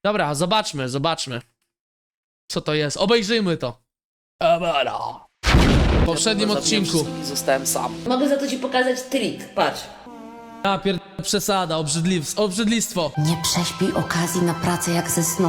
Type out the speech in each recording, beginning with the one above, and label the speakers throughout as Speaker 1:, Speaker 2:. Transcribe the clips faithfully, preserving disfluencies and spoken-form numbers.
Speaker 1: Dobra, zobaczmy, zobaczmy. Co to jest? Obejrzyjmy to. Ebara. W poprzednim odcinku.
Speaker 2: Zostałem sam.
Speaker 3: Mogę za to ci pokazać trik, patrz.
Speaker 1: Ja pier... przesada, obrzydliw... obrzydlistwo.
Speaker 3: Nie prześpij okazji na pracę jak ze snu.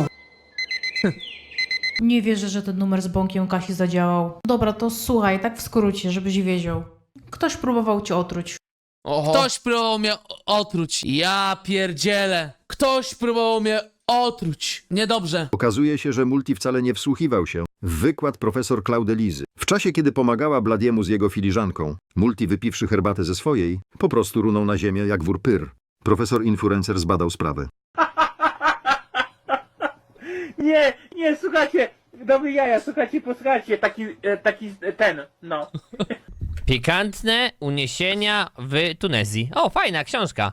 Speaker 4: Nie wierzę, że ten numer z bąkiem Kasi zadziałał. Dobra, to słuchaj, tak w skrócie, żebyś wiedział. Ktoś próbował cię otruć.
Speaker 1: Oho. Ktoś próbował mnie otruć. Ja pierdzielę. Ktoś próbował mnie otruć. Niedobrze.
Speaker 5: Okazuje się, że Multi wcale nie wsłuchiwał się w wykład profesor Claudelizy. W czasie, kiedy pomagała Bladiemu z jego filiżanką, Multi, wypiwszy herbatę ze swojej, po prostu runął na ziemię jak wór pyr. Profesor Influencer zbadał sprawę.
Speaker 6: Nie, nie, słuchajcie, dobry jaja, słuchajcie, posłuchajcie, taki, e, taki e, ten, no.
Speaker 7: Pikantne uniesienia w Tunezji. O, fajna książka.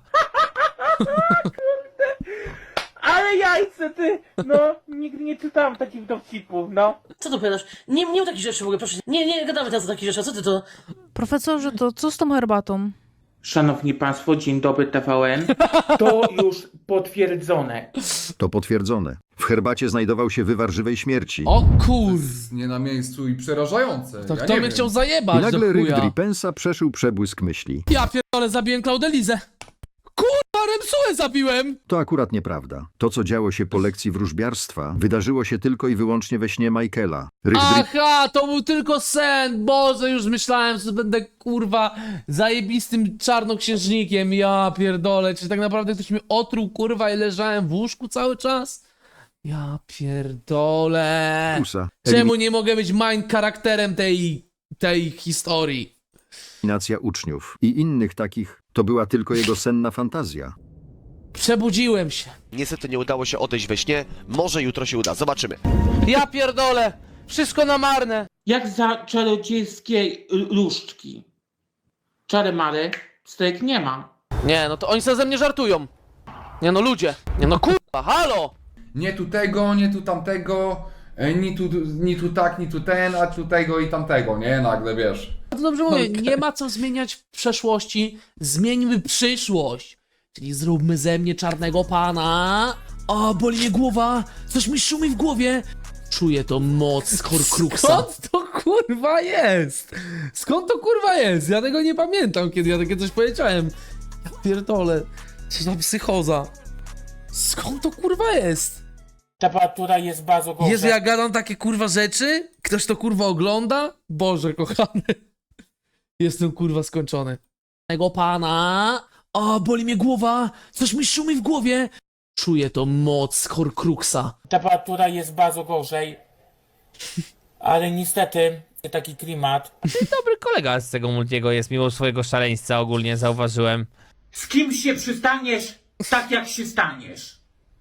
Speaker 6: Ale jajce, ty, no, nigdy nie czytałem takich dowcipów, no.
Speaker 3: Co tu powiadasz? Nie, nie o takich rzeczy w ogóle, proszę. Nie, nie gadamy teraz o takich rzeczach, co ty to?
Speaker 4: Profesorze, to co z tą herbatą?
Speaker 6: Szanowni Państwo, dzień dobry T V N. To już potwierdzone.
Speaker 5: To potwierdzone. W herbacie znajdował się wywar żywej śmierci.
Speaker 1: O kur...
Speaker 8: Nie na miejscu i przerażające.
Speaker 1: To
Speaker 8: ja
Speaker 1: kto
Speaker 8: nie
Speaker 1: mnie
Speaker 8: wiem.
Speaker 1: chciał
Speaker 5: I
Speaker 1: zajebać
Speaker 5: nagle
Speaker 1: do
Speaker 5: ryk
Speaker 1: chuja?
Speaker 5: Dripensa przeszył przebłysk myśli.
Speaker 1: Ja pierdolę, zabiłem Claudelizę. Kurwa, Remsułę zabiłem!
Speaker 5: To akurat nieprawda. To, co działo się po lekcji wróżbiarstwa, wydarzyło się tylko i wyłącznie we śnie Michaela. Ryk Dri...
Speaker 1: Aha, to był tylko sen. Boże, już myślałem, że będę kurwa zajebistym czarnoksiężnikiem. Ja pierdolę, czy tak naprawdę ktoś mnie otruł kurwa i leżałem w łóżku cały czas? Ja pierdolę.
Speaker 5: Kusa.
Speaker 1: Czemu nie mogę być main charakterem tej, tej historii?
Speaker 5: Eliminacja uczniów i innych takich to była tylko jego senna fantazja.
Speaker 1: Przebudziłem się.
Speaker 9: Niestety nie udało się odejść we śnie, może jutro się uda, zobaczymy.
Speaker 1: Ja pierdolę, wszystko na marne.
Speaker 6: Jak za czarodziejskiej różdżki. Czary mary, stryk nie ma.
Speaker 1: Nie, no to oni sobie ze mnie żartują. Nie no ludzie, nie no kurwa, halo.
Speaker 8: Nie tu tego, nie tu tamtego, e, ni tu, ni tu tak, ni tu ten, a tu tego i tamtego, nie? Nagle wiesz.
Speaker 1: To dobrze mówię, nie ma co zmieniać w przeszłości, zmieńmy przyszłość. Czyli zróbmy ze mnie czarnego pana. O, boli mnie głowa, coś mi szumi w głowie. Czuję to moc Horcruxa. Skąd to kurwa jest? Skąd to kurwa jest? Ja tego nie pamiętam, kiedy ja takie coś powiedziałem. Ja pierdolę, co za psychoza. Skąd to kurwa jest?
Speaker 6: Temperatura jest bardzo gorsza.
Speaker 1: Jezu, ja gadam takie kurwa rzeczy? Ktoś to kurwa ogląda? Boże kochany. Jestem kurwa skończony. Tego pana. O, boli mnie głowa. Coś mi szumi w głowie. Czuję to moc Horcruxa.
Speaker 6: Temperatura jest bardzo gorzej. Ale niestety, taki klimat.
Speaker 7: Dobry kolega z tego Multiego jest, mimo swojego szaleństwa ogólnie, zauważyłem.
Speaker 6: Z kim się przystaniesz, tak jak się staniesz.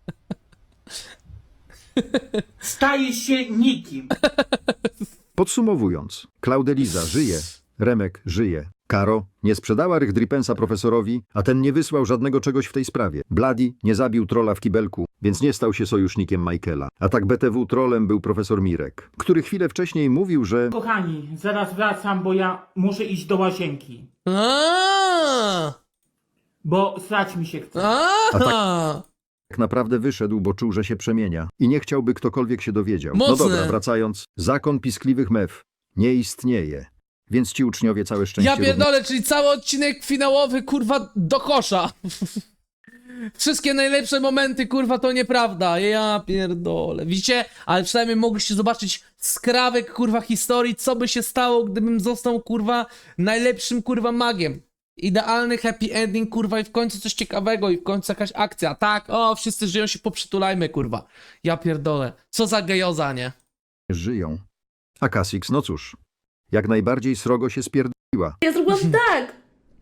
Speaker 6: Stajesz się nikim.
Speaker 5: Podsumowując, Claudeliza żyje, Remek żyje. Karo nie sprzedała rych Dripensa profesorowi, a ten nie wysłał żadnego czegoś w tej sprawie. Bloody nie zabił trolla w kibelku, więc nie stał się sojusznikiem Michaela. A tak B T W trollem był profesor Mirek, który chwilę wcześniej mówił, że
Speaker 6: Kochani, zaraz wracam, bo ja muszę iść do łazienki.
Speaker 1: Aaaa!
Speaker 6: Bo srać mi się chce.
Speaker 1: Aaaa!
Speaker 5: tak naprawdę wyszedł, bo czuł, że się przemienia i nie chciałby ktokolwiek się dowiedział. No
Speaker 1: Mocne.
Speaker 5: dobra, wracając, zakon piskliwych mew nie istnieje, więc ci uczniowie całe szczęście...
Speaker 1: Ja pierdolę, czyli cały odcinek finałowy, kurwa, do kosza. Wszystkie najlepsze momenty, kurwa, to nieprawda. Ja pierdolę. Widzicie? Ale przynajmniej mogliście zobaczyć skrawek, kurwa, historii, co by się stało, gdybym został, kurwa, najlepszym, kurwa, magiem. Idealny happy ending, kurwa, i w końcu coś ciekawego, i w końcu jakaś akcja. Tak, o, wszyscy żyją, się poprzytulajmy, kurwa. Ja pierdolę. Co za gejoza, nie?
Speaker 5: żyją. A Kasix, no cóż, jak najbardziej srogo się spierdoliła.
Speaker 3: Ja zrobiłam tak.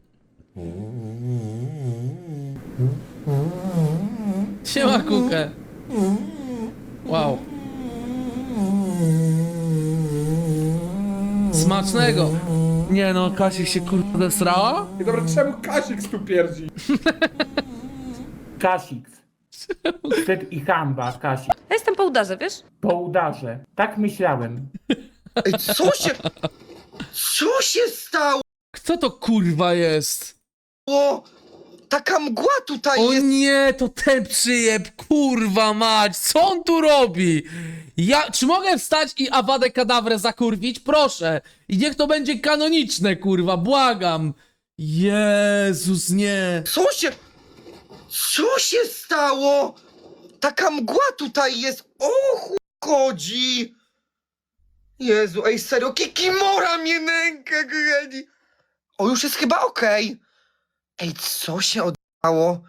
Speaker 1: Siema, kukę. Wow. Smacznego. Nie no, Kasik się kurwa zesrała?
Speaker 8: I dobra, czemu Kasik tu pierdzi?
Speaker 6: Kasik. Wstyd i hamba, Kasik.
Speaker 10: Ja jestem po udarze, wiesz?
Speaker 6: Po udarze. Tak myślałem.
Speaker 9: Ej, co się... Co się stało?
Speaker 1: Kto to kurwa jest?
Speaker 2: taka mgła tutaj
Speaker 1: O
Speaker 2: jest.
Speaker 1: nie, to ten przyjeb, kurwa mać, co on tu robi? Ja, czy mogę wstać i Awadę Kadawrę zakurwić? Proszę. I niech to będzie kanoniczne, kurwa, błagam. Jezus, nie.
Speaker 2: Co się... Co się stało? Taka mgła tutaj jest. O chuj chodzi. Jezu, ej serio, Kikimora mnie nęka, kochani. O, już jest chyba okej. Ej, co się oddało?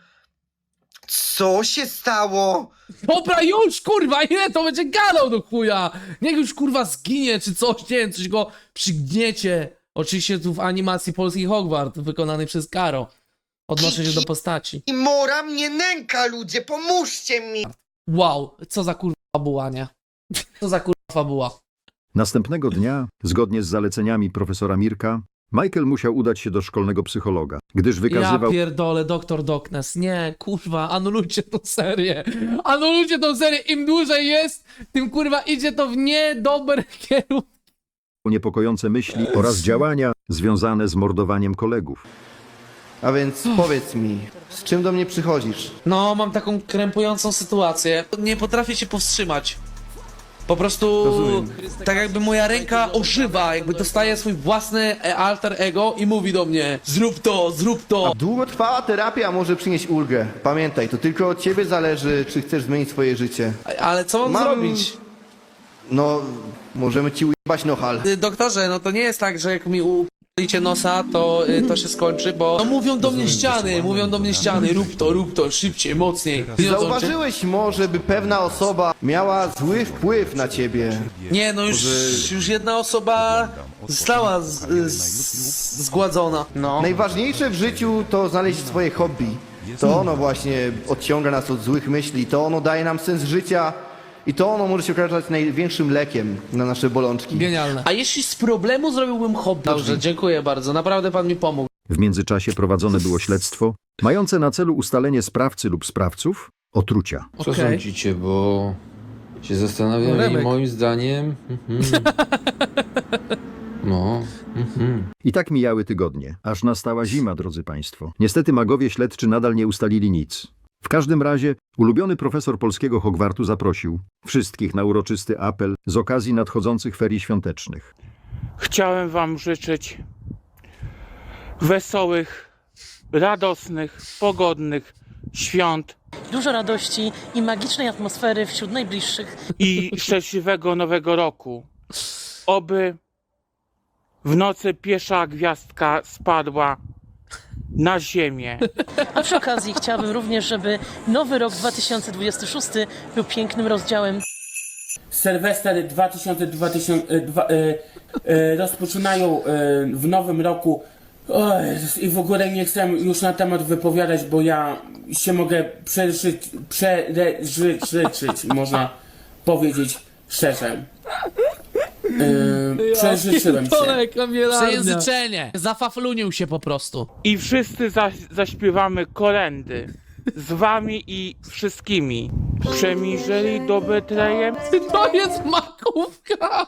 Speaker 2: Co się stało?
Speaker 1: Dobra, już, kurwa, ile to będzie gadał do chuja? Niech już, kurwa, zginie, czy coś, nie wiem, coś go przygniecie. Oczywiście tu w animacji polski Hogwart, wykonany przez Karo. Odnoszę się do postaci.
Speaker 2: Kikimora mnie nęka, ludzie, pomóżcie mi.
Speaker 1: Wow, co za kurwa fabuła, nie? Co za kurwa fabuła.
Speaker 5: Następnego dnia, zgodnie z zaleceniami profesora Mirka, Michael musiał udać się do szkolnego psychologa, gdyż wykazywał...
Speaker 1: Ja pierdolę, doktor Doknes. Nie, kurwa, anulujcie tą serię. Anulujcie tą serię. Im dłużej jest, tym kurwa idzie to w niedobry kierunek.
Speaker 5: niepokojące myśli oraz działania związane z mordowaniem kolegów.
Speaker 10: A więc powiedz mi, z czym do mnie przychodzisz?
Speaker 1: No, mam taką krępującą sytuację. Nie potrafię się powstrzymać. Po prostu
Speaker 10: Rozumiem.
Speaker 1: tak jakby moja ręka ożywa, jakby dostaje swój własny e, alter ego i mówi do mnie: zrób to, zrób to.
Speaker 10: Długotrwała terapia może przynieść ulgę. Pamiętaj, to tylko od ciebie zależy, czy chcesz zmienić swoje życie.
Speaker 1: Ale co mam
Speaker 10: Mam-
Speaker 1: zrobić?
Speaker 10: No, możemy ci ujebać nohal.
Speaker 1: Y, Doktorze, no to nie jest tak, że jak mi ulicie nosa, to y, to się skończy, bo no mówią do mnie ściany, mówią do mnie ściany, rób to, rób to, szybciej, mocniej.
Speaker 10: Czy
Speaker 1: Wiedzą,
Speaker 10: zauważyłeś może, by pewna osoba miała zły wpływ na ciebie?
Speaker 1: czy- Nie, no już, już jedna osoba została z, z, zgładzona. No.
Speaker 10: Najważniejsze w życiu to znaleźć swoje hobby. To ono właśnie odciąga nas od złych myśli, to ono daje nam sens życia i to ono może się okazać największym lekiem na nasze bolączki.
Speaker 1: Genialne. A jeśli z problemu zrobiłbym hobby? Dobrze, dziękuję bardzo, naprawdę pan mi pomógł.
Speaker 5: W międzyczasie prowadzone było śledztwo mające na celu ustalenie sprawcy lub sprawców otrucia.
Speaker 11: Co
Speaker 1: Okej.
Speaker 11: sądzicie, bo się zastanawiam
Speaker 1: Remek.
Speaker 11: i moim zdaniem... Mhm. No, mhm.
Speaker 5: I tak mijały tygodnie, aż nastała zima, drodzy państwo. Niestety magowie śledczy nadal nie ustalili nic. W każdym razie ulubiony profesor polskiego Hogwartu zaprosił wszystkich na uroczysty apel z okazji nadchodzących ferii świątecznych.
Speaker 6: Chciałem wam życzyć wesołych, radosnych, pogodnych świąt
Speaker 3: Dużo radości i magicznej atmosfery wśród najbliższych.
Speaker 6: i szczęśliwego nowego roku. Oby w nocy pierwsza gwiazdka spadła na ziemię.
Speaker 3: A przy okazji chciałabym również, żeby nowy rok dwa tysiące dwudziesty szósty był pięknym rozdziałem.
Speaker 6: Sylwester dwa tysiące dwudziesty rozpoczynają e, w nowym roku. O Jezus, i w ogóle nie chcę już na temat wypowiadać, bo ja się mogę przeżyć, przeżyczyć, można powiedzieć szczerze. E, przeżyczyłem się.
Speaker 1: Przejęzyczenie. Zafaflunił się po prostu.
Speaker 6: I wszyscy za, zaśpiewamy kolędy. Z wami i wszystkimi. Przemierzeli do Betlejem
Speaker 1: To jest makówka.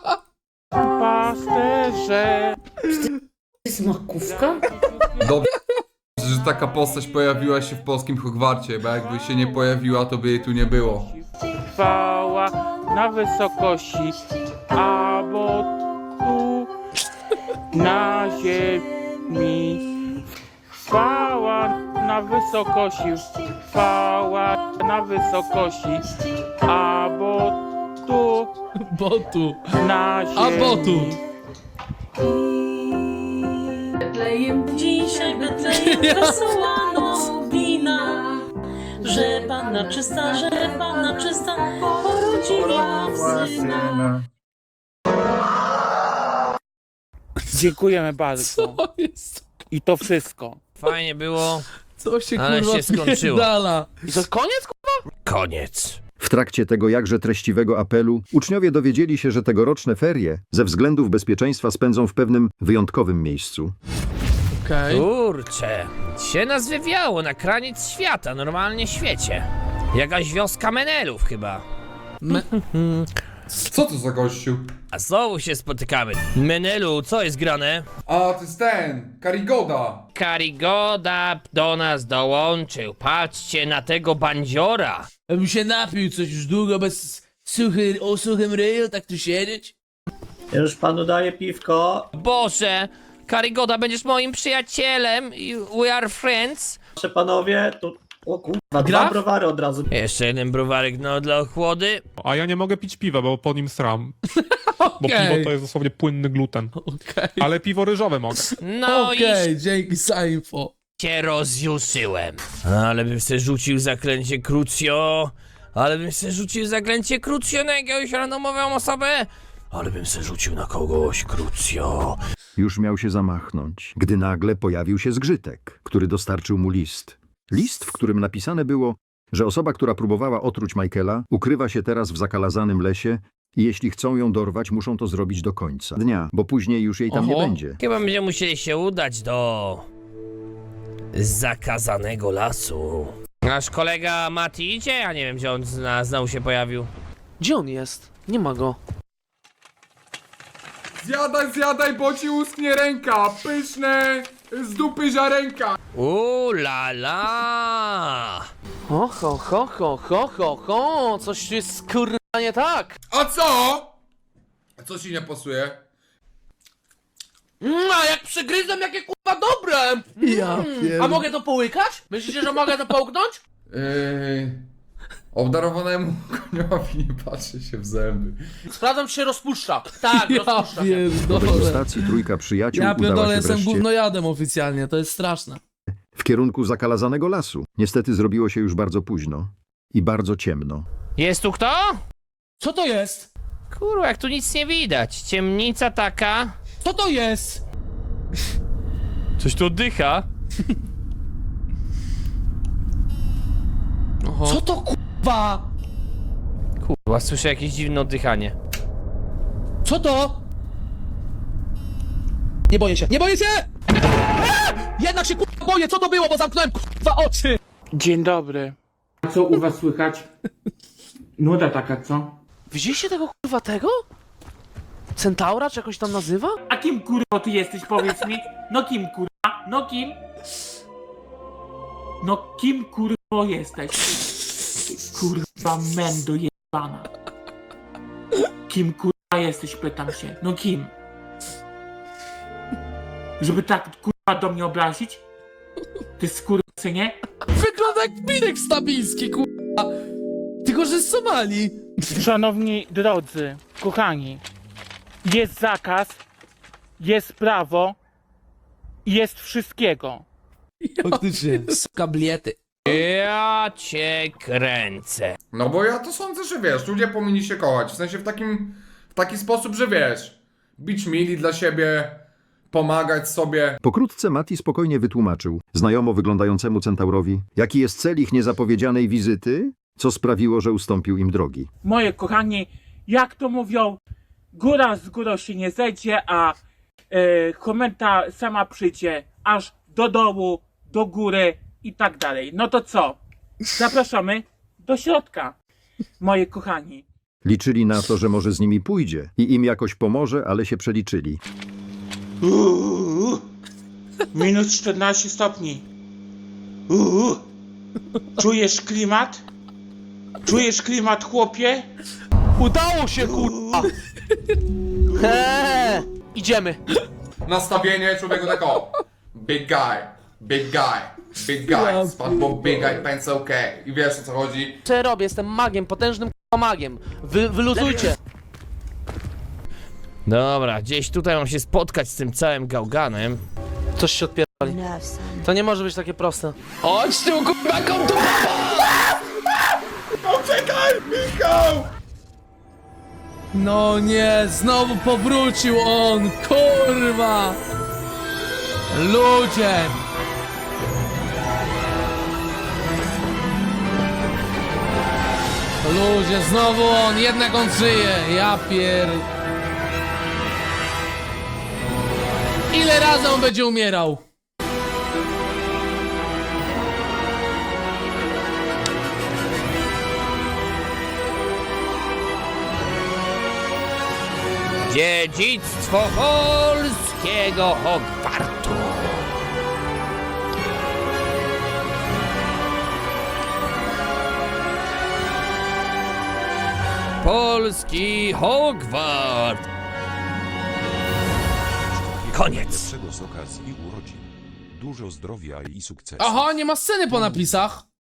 Speaker 6: pasterze.
Speaker 3: Jest makówka?
Speaker 8: Dobrze, że taka postać pojawiła się w polskim Hogwarcie, bo jakby się nie pojawiła, to by jej tu nie było.
Speaker 6: Chwała na wysokości, a bo tu na ziemi. Chwała na wysokości, chwała na wysokości, a bo tu
Speaker 1: Botu.
Speaker 6: na ziemi.
Speaker 1: A botu.
Speaker 3: Betlejem dzisiaj, Betlejem wesoła nowina, że Panna czysta, że Panna czysta porodziła syna.
Speaker 6: Dziękujemy bardzo.
Speaker 1: To jest...
Speaker 6: I to wszystko.
Speaker 7: Fajnie było.
Speaker 1: Co się
Speaker 7: Ale
Speaker 1: kurwa
Speaker 7: się skończyło.
Speaker 1: pierdala?
Speaker 6: I to jest koniec?
Speaker 7: Koniec.
Speaker 5: W trakcie tego jakże treściwego apelu uczniowie dowiedzieli się, że tegoroczne ferie ze względów bezpieczeństwa spędzą w pewnym wyjątkowym miejscu.
Speaker 1: Okej.
Speaker 7: Kurczę, się nas wywiało na kraniec świata, normalnie świecie. Jakaś wioska Menelów chyba.
Speaker 1: Me...
Speaker 8: Co to za gościu?
Speaker 7: A znowu się spotykamy. Menelu, co jest grane?
Speaker 8: A, to jest ten, Karigoda.
Speaker 7: Karigoda do nas dołączył. Patrzcie na tego bandziora.
Speaker 1: Ja bym się napił coś już długo bez suchy, o suchym ryju, tak tu siedzieć.
Speaker 12: Już panu daję piwko.
Speaker 7: Boże, Karigoda, będziesz moim przyjacielem. i We are friends.
Speaker 12: Proszę panowie, tu... O kurwa, dwa
Speaker 1: Graf?
Speaker 12: browary od razu.
Speaker 7: Jeszcze jeden browarek, no, dla ochłody.
Speaker 6: A ja nie mogę pić piwa, bo po nim sram. Bo
Speaker 1: Okej.
Speaker 6: piwo to jest dosłownie płynny gluten.
Speaker 1: Okej,
Speaker 6: Ale piwo ryżowe mogę.
Speaker 7: No
Speaker 1: okej, dzięki za info.
Speaker 7: i się rozjuszyłem. Ale bym se rzucił zaklęcie Crucio. Ale bym se rzucił zaklęcie Crucio na jakąś randomową osobę. Ale bym se rzucił na kogoś Crucio.
Speaker 5: Już miał się zamachnąć, gdy nagle pojawił się zgrzytek, który dostarczył mu list. List, w którym napisane było, że osoba, która próbowała otruć Michaela, ukrywa się teraz w zakalazanym lesie i jeśli chcą ją dorwać, muszą to zrobić do końca dnia, bo później już jej tam nie
Speaker 1: Oho.
Speaker 5: będzie.
Speaker 7: Chyba będziemy musieli się udać do zakazanego lasu. Nasz kolega Mati idzie? Ja nie wiem, gdzie on zna, znowu się pojawił.
Speaker 1: Gdzie on jest? Nie ma go.
Speaker 8: Zjadaj, zjadaj, bo ci uschnie ręka. Pyszne, z dupy ziarenka.
Speaker 7: U la la!
Speaker 1: Ho, ho, ho, ho, ho, ho, ho, coś tu jest kurwa nie tak.
Speaker 8: A co? A co ci nie pasuje?
Speaker 1: Mm, a jak przygryzam, jakie kurwa dobre!
Speaker 2: Ja
Speaker 1: A mogę to połykać? Myślicie, że mogę to połknąć?
Speaker 8: Yy, obdarowanemu koniowi nie patrzy się w zęby.
Speaker 1: Sprawdzam, czy się rozpuszcza. Tak, rozpuszcza się.
Speaker 5: Do degustacji trójka przyjaciół
Speaker 1: Ja
Speaker 5: udała
Speaker 1: pierdolę,
Speaker 5: się
Speaker 1: jestem
Speaker 5: wreszcie
Speaker 1: gównojadem oficjalnie, to jest straszne.
Speaker 5: w kierunku zakalazanego lasu. Niestety zrobiło się już bardzo późno i bardzo ciemno.
Speaker 7: Jest tu kto?
Speaker 1: Co to jest?
Speaker 7: Kurwa, jak tu nic nie widać. Ciemnica taka.
Speaker 1: Co to jest?
Speaker 7: Coś tu oddycha. Oho.
Speaker 1: Co to kurwa?
Speaker 7: Kurwa, słyszę jakieś dziwne oddychanie.
Speaker 1: Co to? Nie boję się, nie boję się! Eee! Jednak się kurwa boję, co to było, bo zamknąłem kurwa oczy!
Speaker 6: Dzień dobry. A co u was słychać? Nuda taka, co?
Speaker 1: Widzieliście tego kurwa tego? Centaura, czy jakoś tam nazywa?
Speaker 6: A kim kurwa ty jesteś, powiedz mi? No kim kurwa? No kim? No kim kurwa jesteś? Kurwa mendo jebana. Kim kurwa jesteś, pytam się. No kim? Żeby tak kurwa do mnie obrazić? Ty skurwysynie?
Speaker 1: Wygląda jak Mirek Stabilski kurwa! Tylko, że z Somalii!
Speaker 6: Szanowni drodzy, kochani, jest zakaz, jest prawo, jest wszystkiego.
Speaker 1: Faktycznie. Kabliety.
Speaker 7: Ja cię kręcę.
Speaker 8: No bo ja to sądzę, że wiesz, ludzie powinni się kochać. W sensie w takim, w taki sposób, że wiesz, być mili dla siebie, pomagać sobie.
Speaker 5: Pokrótce Mati spokojnie wytłumaczył znajomo wyglądającemu centaurowi, jaki jest cel ich niezapowiedzianej wizyty, co sprawiło, że ustąpił im drogi.
Speaker 6: Moje kochani, jak to mówią, góra z górą się nie zejdzie, a e, komenta sama przyjdzie aż do dołu, do góry i tak dalej. No to co? Zapraszamy do środka, moje kochani.
Speaker 5: Liczyli na to, że może z nimi pójdzie i im jakoś pomoże, ale się przeliczyli.
Speaker 6: Uuu, minus czternaście stopni. Uuu, czujesz klimat? Czujesz klimat, chłopie?
Speaker 1: Udało się kurwa! Eee, idziemy.
Speaker 8: Nastawienie człowieku tak o. Big guy, big guy, big guy. Spadł bo big guy, pants okay. I wiesz o co chodzi?
Speaker 1: Co ja robię? Jestem magiem, potężnym kurwa magiem. Wy, wyluzujcie.
Speaker 7: Dobra, gdzieś tutaj mam się spotkać z tym całym gałganem.
Speaker 1: Coś się odpierdoli. To nie może być takie proste. Chodź tu kurwa, kom tu!
Speaker 8: Poczekaj, Michał!
Speaker 1: No nie, znowu powrócił on, kurwa! Ludzie! Ludzie, znowu on, jednak on żyje, ja pier... Ile razy on będzie umierał?
Speaker 7: Dziedzictwo polskiego Hogwartu. Polski Hogwart. Koniec.
Speaker 13: Z okazji urodzin. Dużo zdrowia i sukcesu.
Speaker 1: Aha, nie ma sceny po napisach.